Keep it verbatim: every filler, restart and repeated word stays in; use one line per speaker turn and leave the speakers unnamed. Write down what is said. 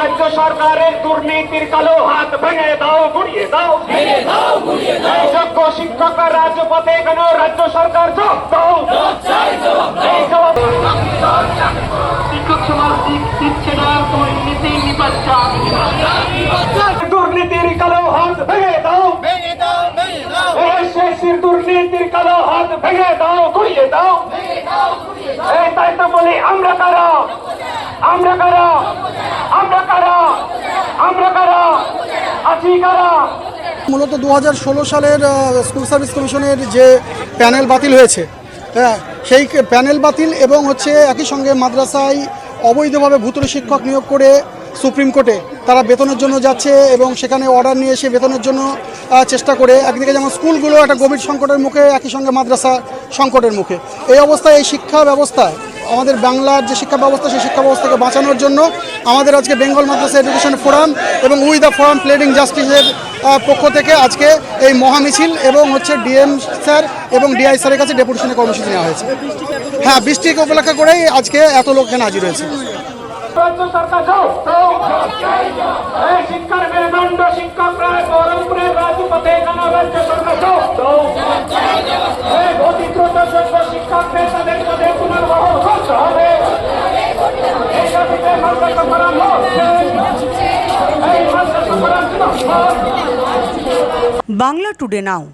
রাজ্য সরকারের দুর্নীতির কালো হাত ভেঙে দাও, গুড়িয়ে দাও। যোগ্য শিক্ষকরা রাজপথে কেন? রাজ্য সরকার জবাব দাও। এই জবাব শিক্ষক সমাজ দিচ্ছে না, দুর্নীতি নিপাচ্ছা। দুর্নীতির কালো হাত ভেঙে দাও, এসএসসির দুর্নীতির কালো হাত ভেঙে দাও, গুড়িয়ে দাও। এই তাই তো বলি, আমরা কারা? আমরা কারা? আমরা কারা? আমরা কারা? আছি কারা?
মূলত দু হাজার ষোলো সালের স্কুল সার্ভিস কমিশনের যে প্যানেল বাতিল হয়েছে, হ্যাঁ, সেই প্যানেল বাতিল এবং হচ্ছে একই সঙ্গে মাদ্রাসায় অবৈধভাবে ভুতুড়ে শিক্ষক নিয়োগ করে সুপ্রিম কোর্টে তারা বেতনের জন্য যাচ্ছে এবং সেখানে অর্ডার নিয়ে এসে বেতনের জন্য চেষ্টা করে একদিকে যেমন স্কুলগুলো একটা গভীর সংকটের মুখে, একই সঙ্গে মাদ্রাসা সংকটের মুখে। এই অবস্থায় এই শিক্ষা ব্যবস্থায় আমাদের বাংলার যে শিক্ষা ব্যবস্থা, সেই শিক্ষা ব্যবস্থাকে বাঁচানোর জন্য আমাদের আজকে বেঙ্গল মাদ্রাসা এডুকেশন ফোরাম এবং উই দ্য ফোরাম প্লেডিং জাস্টিসের পক্ষ থেকে আজকে এই মহামিছিল এবং হচ্ছে ডিএম স্যার এবং ডিআই স্যারের কাছে ডেপুটেশনের কর্মসূচি নেওয়া হয়েছে। হ্যাঁ, বৃষ্টিকে উপলক্ষ করেই আজকে এত লোক এখানে হাজির হয়েছে।
রাজ্য সরকার যাও, এই শিক্ষার মেরুদণ্ড শিক্ষকরা বহরমপুরের রাজপথে কেন? রাজ্য সরকার যাও, এই অতি দ্রুত যোগ্য শিক্ষকদের তাদের পদে পুনর্বহাল করতে হবে। এই দাবিতে মাদ্রাসা ফোরাম হচ্ছে, এই মাদ্রাসা ফোরাম।
বাংলা টুডে নাও।